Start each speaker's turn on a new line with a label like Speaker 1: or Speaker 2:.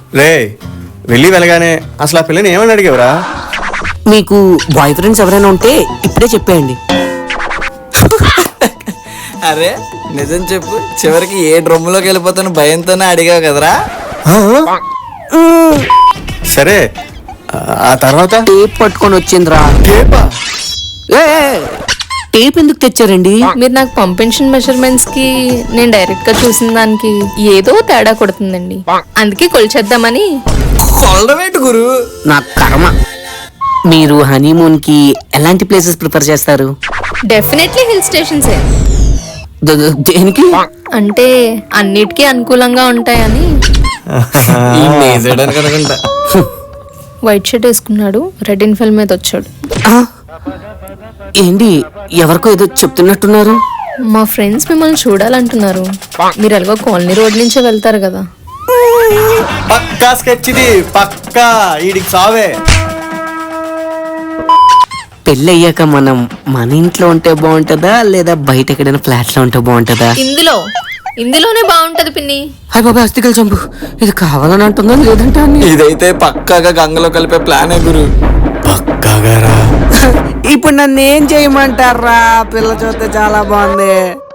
Speaker 1: రే వెళ్ళి వెళ్ళగానే అసలు ఆ పిల్లని ఏమని అడిగేవరా?
Speaker 2: మీకు బాయ్ ఫ్రెండ్స్ ఎవరైనా ఉంటే ఇప్పుడే చెప్పేయండి.
Speaker 3: అరే నిజం చెప్పు, చివరికి ఏ డ్రమ్ములోకి వెళ్ళిపోతాను భయంతోనే అడిగావు కదరా.
Speaker 1: సరే ఆ తర్వాత
Speaker 2: టేప్ పట్టుకొని వచ్చిందిరా.
Speaker 1: టేపా?
Speaker 2: ఏ, టేప్ ఎందుకు తెచ్చారండి?
Speaker 4: మీరు నాకు పంపించిన మెజర్మెంట్స్ కి నేను డైరెక్ట్ గా చూసిన దానికి ఏదో తేడా కొడుతుందండి, అందుకే కొలిచేద్దామని.
Speaker 3: కొలడమేంటి గురు?
Speaker 2: నా కర్మ. మీరు హనీమూన్ కి ఎలాంటి ప్లేసెస్ ప్రిఫర్ చేస్తారు?
Speaker 4: డెఫినెట్లీ హిల్ స్టేషన్సే.
Speaker 2: దేనికి?
Speaker 4: అంటే అన్నిటికీ అనుకూలంగా ఉంటాయని.
Speaker 3: అనుకుంటా.
Speaker 4: వైట్ షర్ట్ వేసుకున్నాడు, రెడ్ ఇన్ఫెల్ మీద వచ్చాడు.
Speaker 2: ఆ, ఏంటి ఎవరికో ఏదో చెప్తున్నట్టున్నారు?
Speaker 4: మా ఫ్రెండ్స్ మిమ్మల్ని చూడాలంటున్నారు. మీరు ఎలాగో కాలనీ రోడ్ నుంచే వెళ్తారు కదా.
Speaker 1: పక్కా స్కెచ్ ఇది, పక్కా. ఈడికి సావే.
Speaker 2: పెళ్ళి అయ్యాక మనం మన ఇంట్లో ఉంటే బాగుంటుందా లేదా బయట ఎక్కడైనా ఫ్లాట్ లో ఉంటే బాగుంటుందా?
Speaker 4: ఇందులోనే బాగుంటది పిన్ని.
Speaker 2: హాయ్ బాబా, అస్థికలు చంపు. ఇది కావాలని అంటుందా లేదంటే అని?
Speaker 3: ఇదైతే పక్కాగా గంగలో కలిపే ప్లానే గురు.
Speaker 1: పక్కాగా రా.
Speaker 2: ఇప్పుడు నన్ను ఏం చేయమంటారా? పిల్ల చూస్తే చాలా బాగుంది.